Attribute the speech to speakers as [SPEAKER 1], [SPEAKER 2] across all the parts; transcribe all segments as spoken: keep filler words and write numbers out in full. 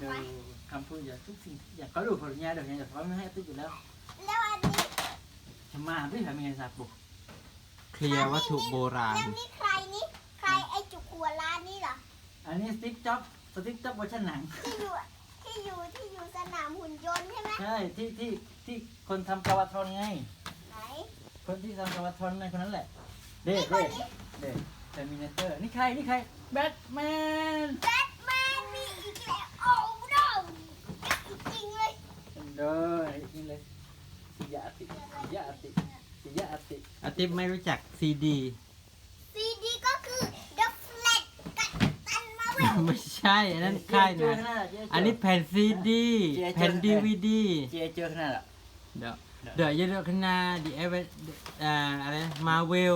[SPEAKER 1] อะไรคำพูดอย่าทุกสิ่งอย่าเขาดูผลงานเดี๋ยวนี้แต่เขาไม่ให้ติ๊กอยู่แล้ว
[SPEAKER 2] แล้วอันนี้
[SPEAKER 1] ทำมาไม่ทำยังไงสักบุก
[SPEAKER 3] เคลียร์วัตถุโบราณ
[SPEAKER 2] แล้วนี่ใครนี่ใครไอจุกหัวล้านนี่เหรอ
[SPEAKER 1] อันนี้สติ๊กจ็อบสติ๊กจ็อบเวอร์ชันหนัง
[SPEAKER 2] ที่อยู่ที่อยู่ที่อยู่สนามหุ่นยนต์ใช่ไหม
[SPEAKER 1] ใช่ที่ที่ที่คนทำกาวาทอนไง
[SPEAKER 2] ไหน
[SPEAKER 1] คนที่ทำกาวาทอนในคนนั้นแหละเด็
[SPEAKER 2] นี่
[SPEAKER 1] ก
[SPEAKER 2] ค
[SPEAKER 1] เด็
[SPEAKER 2] น
[SPEAKER 1] ก
[SPEAKER 2] นี้
[SPEAKER 1] เด็กเทอร์มินเตอร์นี่ใครนี่ใครแบทแมน
[SPEAKER 2] แบทแมนมีอีกแล้วโอ้โหจริงเลย
[SPEAKER 1] เด้อนี่เลยสิยาติสิยาติสิยาติ
[SPEAKER 3] อาทิตย์ไม่รู้จักซีดี
[SPEAKER 2] ซีดีก็คือ The Flash กับตันมาเวล
[SPEAKER 3] ไม่ใช่อันนั้นค่ายนะอันนี้แผ่นซีดีแผ่นดีวีดี
[SPEAKER 1] เจเจอขนาดอ่ะ
[SPEAKER 3] เดี๋ยวเดี๋ยวจะเลือกขนาดดีเอเวอ่าอะไรมาเวล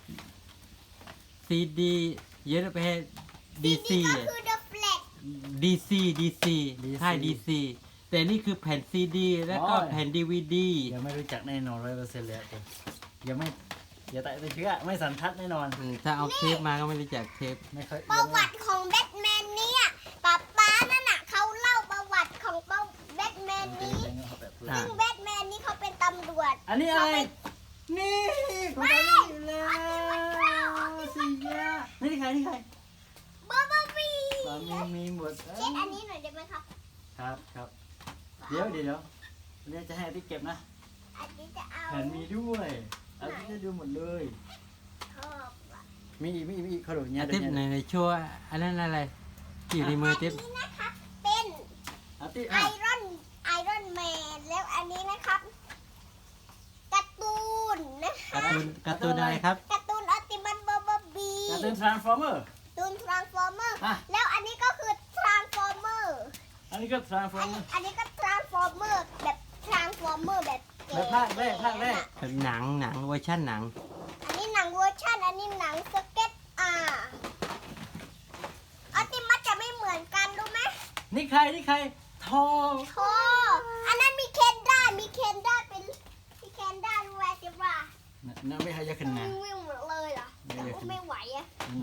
[SPEAKER 3] ซีดีเยอะไปให้ดีซี
[SPEAKER 2] ก็คือ The Flash
[SPEAKER 3] ดีซีดีซีค่ายดีซีแต่นี่คือแผ่นซีดีแล้วก็แผ่นดีวีดี
[SPEAKER 1] ยังไม่รู้จักแน่นอนร้อยเปอร์เซ็นต์เลยผมยังไม่อย่าแตะไปเชื่อไม่สันทัดแน่นอน
[SPEAKER 3] ถ้าเอาเทปมาก็ไม่รู้จักเทป
[SPEAKER 1] ไม่ค่อย
[SPEAKER 2] ประวัติของแบทแมนเนี่ยป๊าป๊านั่นน่ะเขาเล่าประวัติของแบทแมนนี้ ซึ่งแบทแมนนี่เขาเป็นตำรวจ
[SPEAKER 1] อันนี้อะไร นี่ของใครนี่แล้วสิยานี่ใครนี่ใคร
[SPEAKER 2] เบอร์เบอร์บี
[SPEAKER 1] สามีมีหมด
[SPEAKER 2] เช็ดอันนี้หน่อยได้ไหมครับ
[SPEAKER 1] ครับครับเดี๋ยวเดี๋ยวเดี๋ยวเดี๋ยวจะให้ที่เก็บนะ
[SPEAKER 2] อันนี้จะเอา
[SPEAKER 1] แผ่นมีด้วยอันนี้จะดูหมดเลย
[SPEAKER 2] ชอบอะ
[SPEAKER 1] มีอีกมีอีกมีอีกเขาดูเนี่ย
[SPEAKER 3] อา
[SPEAKER 1] เดี๋
[SPEAKER 3] ทิ
[SPEAKER 1] ย
[SPEAKER 3] ต
[SPEAKER 1] ว
[SPEAKER 3] ย์ใน
[SPEAKER 1] เนี่ย
[SPEAKER 3] ในชัวร์อันนั้นอะไรอยู่ในมือ
[SPEAKER 2] อัน
[SPEAKER 3] ทิป
[SPEAKER 2] นี้นะครับเป็น
[SPEAKER 1] อาทิตย์
[SPEAKER 2] ไอ
[SPEAKER 1] อ่ะ
[SPEAKER 2] รอนไอรอนแมนแล้วอันนี้นะครับการ์ตูนนะคะ
[SPEAKER 3] การ์ตูนการ์ตูนอะไรครับ
[SPEAKER 2] การ์ตูนอัลติมัตเบอร์เบอร์บี
[SPEAKER 1] การ์ตูนทรานส์ฟอร์เมอร์
[SPEAKER 2] ตูนทรานส์ฟอร์เมอร์
[SPEAKER 1] อ่ะ
[SPEAKER 2] แล้วอันนี้ก็คือทรานส์ฟอร์เมอร์
[SPEAKER 1] อันนี้ก็ทรานส์ฟอ
[SPEAKER 2] อั
[SPEAKER 1] ร์
[SPEAKER 2] น
[SPEAKER 1] เมอ
[SPEAKER 2] นี้
[SPEAKER 1] ร์
[SPEAKER 2] อันนี้ก็ทรานส์ฟอร์เมอร์แบบทรานส์ฟอร์เมอร์แบบ
[SPEAKER 1] แบบภาคแรกภาคแรก
[SPEAKER 3] แบบหนังหนังเวอร์ชันหนัง
[SPEAKER 2] อันนี้หนังเวอร์ชันอันนี้หนังสเก็ตอ่าอัลติมัตจะไม่เหมือนกันรู้ไหม
[SPEAKER 1] นี่ใครนี่ใครทอ
[SPEAKER 2] โธ่อันนั้นมีเคนด้ามีเคนด้าเป็นมีเคนด้ารู้ไหมจิบว่า
[SPEAKER 1] นั่นไม่ให้ยาขึ้นนะ
[SPEAKER 2] วิ่งหมดเลยเหรอแต่ก็ไม่ไหวอะ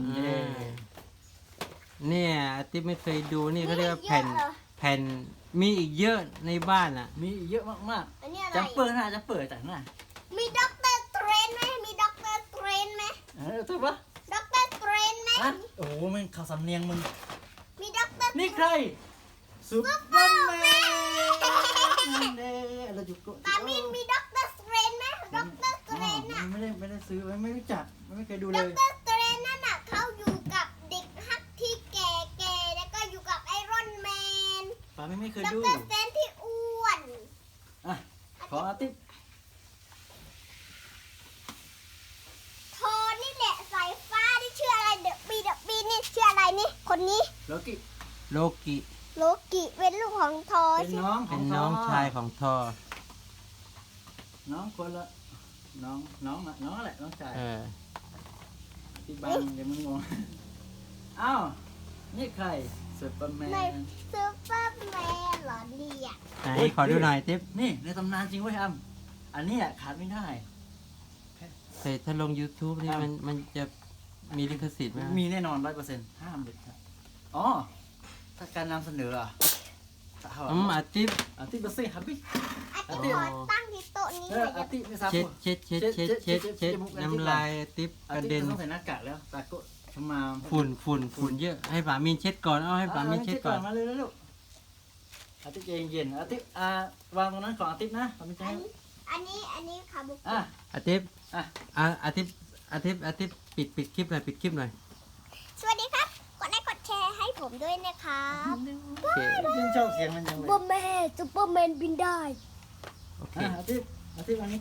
[SPEAKER 3] เนี่ยอาทิตย์ไม่เคยดูนี่เขาเรียกว่าแผ่น
[SPEAKER 2] เยอะเหรอ
[SPEAKER 3] แผ่นมีอีกเยอะในบ้านอ่ะ
[SPEAKER 1] มีเยอะมาก
[SPEAKER 2] อันนี้อะไร
[SPEAKER 1] ๆจัมเปอร์นะจัมเปอร์จากน่ะ
[SPEAKER 2] มีด็อกเตอร์เทรนไหมมีด็อกเตอร์เทรนไหม
[SPEAKER 1] เออถูกปะ
[SPEAKER 2] ด็อกเตอร์เทรนไหม
[SPEAKER 1] อ่ะโอ้โหมันข่าวสำเนียงมึง
[SPEAKER 2] มีด็อกเตอร์
[SPEAKER 1] นี่ใครซูเปอร์แมนนั่นเองเราจุก
[SPEAKER 2] ปามินมีด็อกเตอร์เทรนไหมด็อกเตอร์เทรนน่ะ
[SPEAKER 1] ไม่ได้ไม่ได้ซื้อไม่รู้จักไม่เคยดูเล
[SPEAKER 2] ด็อก
[SPEAKER 1] ย
[SPEAKER 2] เตอร์เทรนนั่นน่ะเขาอยู่กับเด็กฮักที่แก่ๆแล้วก็อยู่กับไอรอนแมน
[SPEAKER 1] ป้าไม่ไม่เคย
[SPEAKER 2] ด็อก
[SPEAKER 1] ดู
[SPEAKER 2] เตอร์สแตนที่อ้วน
[SPEAKER 1] อ่ะขออาทิตย์
[SPEAKER 2] โทนี่แหละสายฟ้าที่ชื่ออะไรเดอะบีเดอะบีนี่ชื่ออะไรนี่คนนี้
[SPEAKER 1] โลกิ
[SPEAKER 3] โลกิ
[SPEAKER 2] โลกิเป็นลูกของทอ
[SPEAKER 1] เป็น
[SPEAKER 2] ใช่ไหม
[SPEAKER 1] น้องข
[SPEAKER 3] เป็
[SPEAKER 1] อน ง
[SPEAKER 3] น้อง
[SPEAKER 1] ท
[SPEAKER 3] ชายของทอ
[SPEAKER 1] น้องคนละน้องน้องอะน้องแหละน้องชาย
[SPEAKER 3] เออ
[SPEAKER 1] ที่บ้านเดี๋ยวมึงงงอ้าวนี่ใครซูเปอร์แม
[SPEAKER 2] ใน
[SPEAKER 1] น
[SPEAKER 2] ซูเปอร์แมนเหรอเนี่ย
[SPEAKER 3] ไหนขอดูหน่อยทิป
[SPEAKER 1] นี่ในตำนานจริงเว้ยอ้ำอันนี้อะขาดไม่ได้
[SPEAKER 3] แต่ถ้าลง YouTube นี่มันมันจะมีลิขสิทธิ์ไหม
[SPEAKER 1] มีแน่นอนร้อยเปอร์เซ็นต์ห้ามเด็ดขาดอ๋อถ้าการนำเสนออะถ้า
[SPEAKER 3] อืมอาทิตย์
[SPEAKER 1] อาทิตย์เบอร์ซี่ครับพี่
[SPEAKER 2] อาทิตย์ขอตั้งที่โต๊ะนี้
[SPEAKER 1] เอ
[SPEAKER 2] หน่
[SPEAKER 1] อ
[SPEAKER 2] อย
[SPEAKER 1] อาทิตย์ไม่ทราบ
[SPEAKER 3] เช็ดเช็ดเช็ดเช็ดเช็ดเช็ดน้ำลายอาทิตย์กระ
[SPEAKER 1] อาทิต
[SPEAKER 3] เด็น
[SPEAKER 1] ย์ต้องใส่หน้ากากแล้วตาก็ชมา
[SPEAKER 3] ฝุ่นฝุ่นฝุ่นเยอะให้ป๋ามินเช็ดก่อนเอาให้ป๋ามินเช็ดก่อน
[SPEAKER 1] มาเลยลูกอาทิตย์เย็นๆอาทิตย์อ่าวางตรงนั้นของอาทิตย์นะผมจะ
[SPEAKER 2] อั
[SPEAKER 1] ให้
[SPEAKER 2] นนี้อันนี้อันนี้คาบุ
[SPEAKER 1] อ่ะ
[SPEAKER 3] อาทิตย์
[SPEAKER 1] อ่ะ
[SPEAKER 3] อ่ะอาทิตย์อาทิตย์อาทิตย์ปิดปิดคลิปหน่อยปิดคลิปหน่อย
[SPEAKER 2] สวัสดีครับกดไลค์กดแชร์ให้ผมด้วยนะครับ
[SPEAKER 3] โอเค
[SPEAKER 1] ยิ่งชอบเสียงมันยังเลย
[SPEAKER 2] ซูเปอร์แมนซูเปอร์แมนบินได้
[SPEAKER 3] โอเค
[SPEAKER 1] อ่ะอาทิตย์อาทิตย์วันนี้